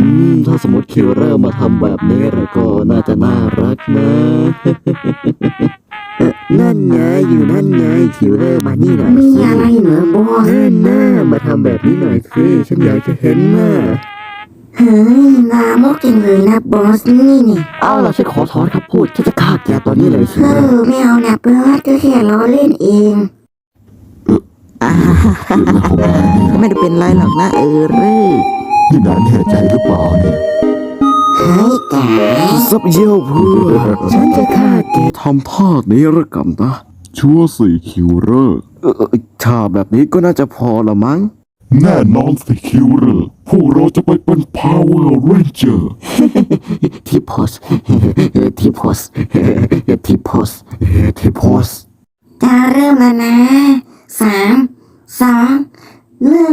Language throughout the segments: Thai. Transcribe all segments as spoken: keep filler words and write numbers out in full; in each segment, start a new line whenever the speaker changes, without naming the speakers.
มถ้าสมมติคิวเลอร์มาทำแบบนี้แล้วก็น่าจะน่ารักนะเอ่อนั่นไงอยู่นั่นไงคิวเลอร์มานี่หน่อย
มี
สิ
อะไรเหรอบอส
เฮ้ยหน้ามาทำแบบนี้หน่อยสิฉันอยากจะเห็นหน้า
เฮ้ยลามกจังเลยนะบอสนี่นี่
เอาล่ะฉันขอถอนคำพูดฉันจะฆ่าแกตอนนี้เลยคิว
เอ
เลอร์
อไม่เอานะบอสก็แค่ล้อเล่นเอง
ไม่ได้เป็นไรหรอกนะเออเร่
นี่นายแน่ใจหรือเปล่าเนี่ย
เฮ้ยแก
ซับเยี่ยวเพื่อฉันจะฆ่าแกทำภาคนี้ละกันนะชั่วสี่คิวเลอร์เออถ้าแบบนี้ก็น่าจะพอละมั้งแน่นอนสิคิวเลอร์พวกเราจะไปเป็น Power Ranger ทีพอสทีพอสทีพอสทีพอส
จะเริ่มแล้วนะสามสองหนึ่ง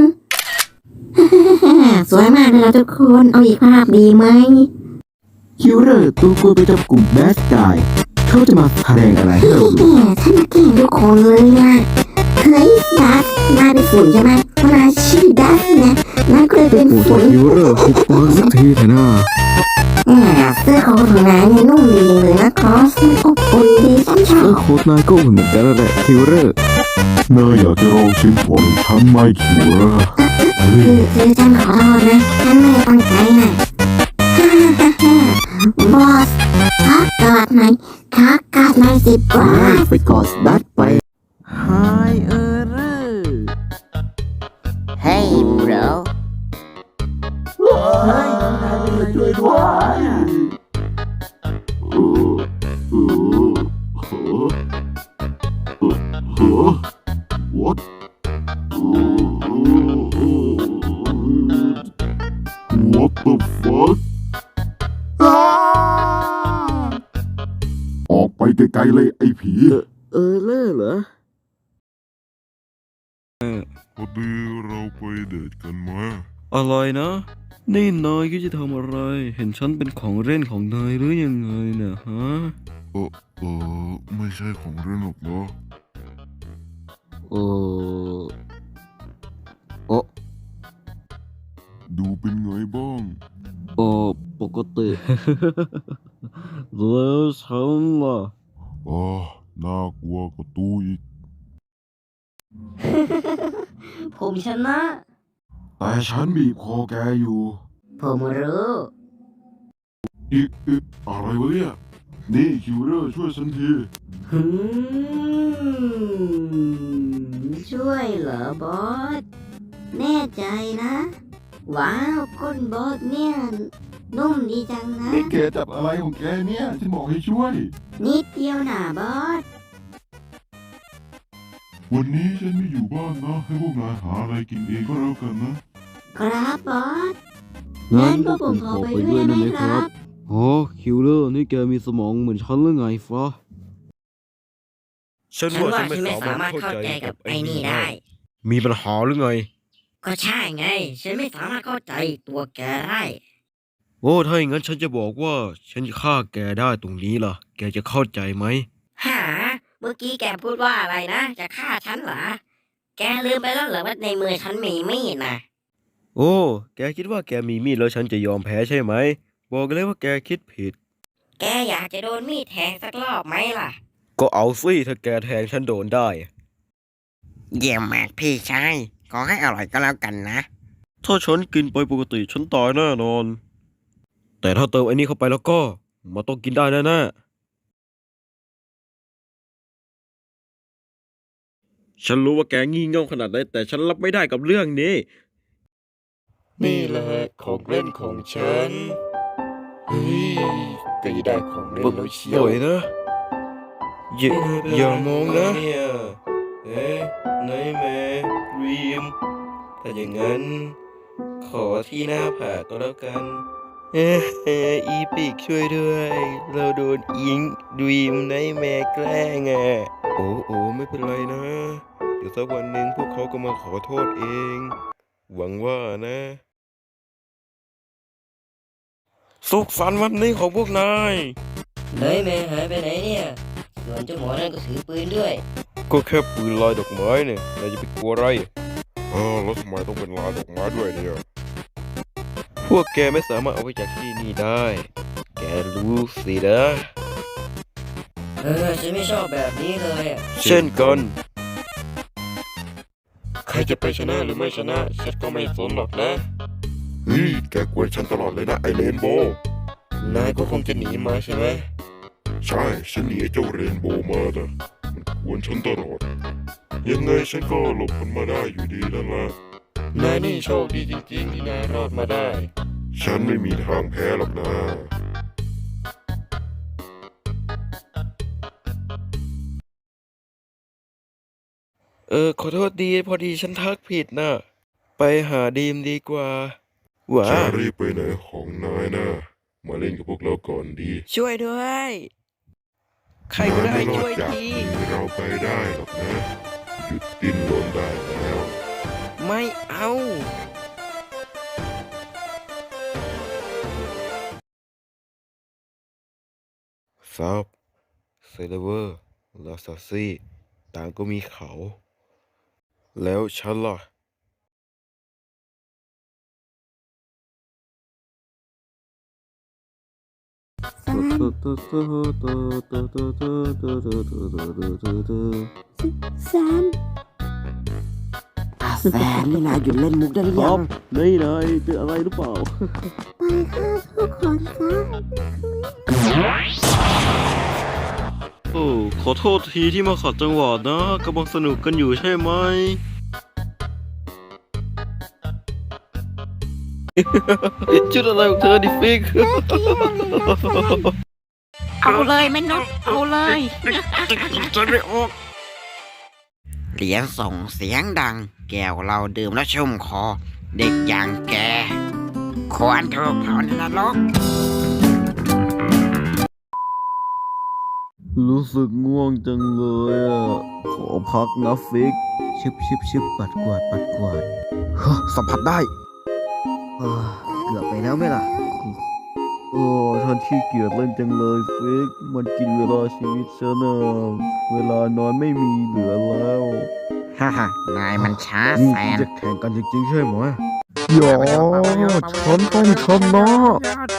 สวยมากเลยนะทุกคนเอาอีกภาพดีไหม
คิวเลอร์ตัวกลัวไปจับกลุ่มแบสกายเขาจะมาแสดงอะไรให้เราดู
แหมท่านมาเก่งทุกคนเลยนะเฮ้ยดัสนายเป็นฝุ่นใช่ไหมเพราะนายชื่อดัสนะนายก็เลยเป็น
โอ้
ฝุ่น
คิวเลอร์หุบปากสักทีเถอะนะ
แหมเสื้อของนายเนี่ยนุ่มดีเลยนะครอสมันอบอุ่นดีฉันชอ
เออบ โค้ดนายก็เหมือนกันแหละคิวเลอร์นายอยากจะลองชิ้นของฉันไหมคิวเลอร์
คือคือฉันขอโทษนะฉันไม่ได้ตั้งใจนะฮ่าฮ่าฮ่าบอสขอกอดหน่อยขอกอดหน่อยสิบอส
ไปกอดดัดไป
ไฮเออเร่
Hey bro
เฮ้ยนายเป็นอะไรช่วยด้วย
What What the fuck ออกไปไกลๆเลยไอ้ผี
เออเร่เหรอ
พอดีเราไปเดทกันมา
อะไรนะ นี่นายก็จะทำอะไร เห็นฉันเป็นของเล่นของนายหรือยังไงเนี่ยฮะ
เออเออไม่ใช่ของเล่นหรอกเนาะ
เออโอ้
ดูเป็นไงบ้าง
โอ้ปกติ แล้วฉันล่ะ
อ๋อน่ากลัวกว่าตู้อีก
ผมชนะ
แต่ฉันบีบคอแกอยู่
ผมรู้
อีกอีกอะไรวะเนี่ย นี่คิวเลอร์ช่วยฉันที
หืมช่วยเหรอบอส แน่ใจนะ ว้าวก้นบอสเนี่ย นุ่มดีจังนะ
นี่แกจับอะไรของแกเนี่ย ฉันบอกให้ช่วย
นิดเดียวนะบอส
วันนี้ฉันไม่อยู่บ้านนะ ให้พวกนายหาอะไรกินเองก็แล้วกันนะ
ครับบอส
งั้น
งั้นพวกผมขอไปด้วยได้ไหมครับ
โอ้คิวเลอร์นี่แกมีสมองเหมือนฉันหรือไงฟ้า
ฉันว่าฉันไม่สามารถเข้าใจกับไอ้นี่ได้
มีปัญหาหรือไง
ก็ใช่ไง ฉันไม่สามารถเข้าใจตัวแกได้
โอ้ถ้าอย่างนั้นฉันจะบอกว่า ฉันจะฆ่าแกได้ตรงนี้ล่ะ แกจะเข้าใจไหม
หา เมื่อกี้แกพูดว่าอะไรนะ จะฆ่าฉันเหรอ แกลืมไปแล้วเหรอว่าในมือฉันมีมีดนะ
โอ้ แกคิดว่าแกมีมีดแล้วฉันจะยอมแพ้ใช่ไหม บอกเลยว่าแกคิดผิด
แกอยากจะโดนมีดแทงสักรอบไหมล่ะ
ก็เอาสิถ้าแกแทงฉันโดนได้
เยี่ยมมากพี่ชาย ขอให้อร่อยก็แล้วกันนะ
ถ้าฉันกินไปปกติฉันตายแน่นอน แต่ถ้าเติมไอ้นี่เข้าไปแล้วก็มันต้องกินได้แน่ๆฉันรู้ว่าแกงี่เง่าขนาดไหนแต่ฉันรับไม่ได้กับเรื่องนี้
นี่แหละของเล่นของฉัน เฮ้ยก็จะได้ของเล่นแล้วเชียว
ปล่อยนะอย่าอย่ามองนะ
เอ๊ะนายแม่รีมถ้าอย่างนั้น ขอที่หน้าผากก็แล้วกัน เอ๊ะอีปิกช่วยด้วย เราโดนอิงดีมนายแม่แกล้งอ่ะ
โอ้โอ้ไม่เป็นไรนะ เดี๋ยวสักวันหนึ่งพวกเขาก็มาขอโทษเอง หวังว่านะ สุขสันต์วันนี้ของพวกนาย
นายแม่หายไปไหนเนี่ย ส่วนเจ้าหมอนั่นก็ถือปืนด้วย
ก็แค่ปืนลอยดอกไม้เนี่ยนายจะไปกลัวอะไร
เออแล้วทำไมต้องเป็นลายดอกไม้ด้วยเนี่ย
อ
พวกแกไม่สามารถเอาไปจากที่นี่ได้ แกรู้สินะ
เออฉันไม่ชอบแบบนี้เลยอะ
เช่นกัน
ใครจะไปชนะหรือไม่ชนะฉันก็ไม่สนหรอกนะ
เฮ้ยแกกวนฉันตลอดเลยนะไอเรนโบว์
นายก็คงจะหนีมาใช่ไหม
ใช่ฉันหนีไอ้เจ้าเรนโบว์มานะมันกวนฉันตลอด ยังไงฉันก็หลบมันมาได้อยู่ดีนั่นแหละ
นายนี่โชคดีจริงๆที่นายรอดมาได้
ฉันไม่มีทางแพ้หรอกนะ
เออขอโทษดีพอดีฉันทักผิดนะไปหาดีมดีกว่าหว้า
จะรีบไปไหนของนายนะ มาเล่นกับพวกเราก่อนดี
ช่วยด้วย ใครก็ได้
นายไม่รอ
ช่วย
จาก
ที
มือเราไปได้หรอกนะ หยุดดิ้นรนได้แล้ว
ไม่เอา
ซับเซเลเวอร์ลาซาซี่ต่างก็มีเขา แล้วฉันล่ะ
แซม
แซมนี่นายหยุดเล่นมุกได้หรือยัง
นี่นายเป็นอะไรหรือเปล่า
ไปฆ่าทุกคนซะ
โอ้ขอโทษทีที่มาขัดจังหวะนะกำลังสนุกกันอยู่ใช่ไหม ชุดอะไรของเธอดิฟิก
เอาเลยแม่นกเอาเลย
จะไม่ออก
เหรียญส่งเสียงดัง แก้วเราดื่มแล้วชุ่มคอ เด็กอย่างแก ควรถูกเผาในนรก
รู้สึกง่วงจังเลยอ่ะ ขอพักนะฟิก
ชิบชิบชิบปัดกวาดปัดกวาด
ฮะสัมผัสได้
เออเกือบไปแล้วไหมล่ะ
โอ้ฉันขี้เกียจเล่นจังเลยฟิก มันกินเวลาชีวิตฉันอะเวลานอนไม่มีเหลือแล้ว
ฮ่าฮ่านายมันช้า
นี่
แสน
จะแข่งกันจริงๆใช่ไหมอย่าฉันต้องชนะ